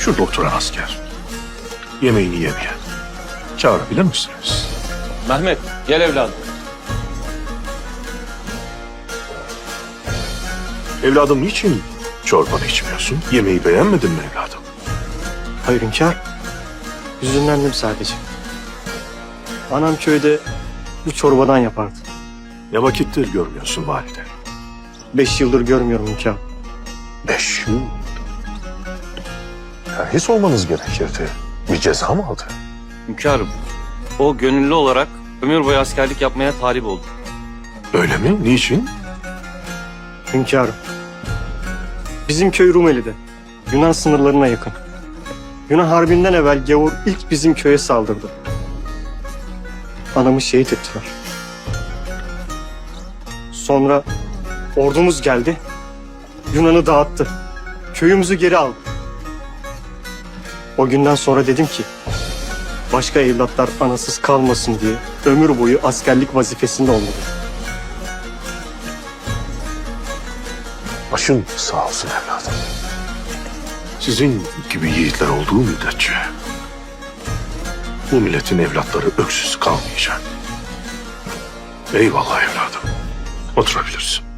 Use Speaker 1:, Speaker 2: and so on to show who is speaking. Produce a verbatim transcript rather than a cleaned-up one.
Speaker 1: Şurada oturan asker. Yemeğini yemeyen. Çağırabilir misiniz?
Speaker 2: Mehmet, gel evladım.
Speaker 1: Evladım niçin çorbanı içmiyorsun? Yemeği beğenmedin mi evladım?
Speaker 3: Hayır hünkâr. Hüzünlendim sadece. Anam köyde bu çorbadan yapardı.
Speaker 1: Ne vakittir görmüyorsun valide?
Speaker 3: Beş yıldır görmüyorum hünkâr.
Speaker 1: Beş yıl. Terhis olmanız gerekirdi. Bir ceza mı aldı?
Speaker 2: Hünkârım, o gönüllü olarak ömür boyu askerlik yapmaya talip oldu.
Speaker 1: Öyle mi? Niçin?
Speaker 3: Hünkârım. Bizim köy Rumeli'de. Yunan sınırlarına yakın. Yunan Harbi'nden evvel gavur ilk bizim köye saldırdı. Anamı şehit ettiler. Sonra ordumuz geldi. Yunan'ı dağıttı. Köyümüzü geri aldı. O günden sonra dedim ki başka evlatlar anasız kalmasın diye ömür boyu askerlik vazifesinde olmalı.
Speaker 1: Başın sağ olsun evladım. Sizin gibi yiğitler olduğu müddetçe bu milletin evlatları öksüz kalmayacak. Eyvallah evladım. Oturabilirsin.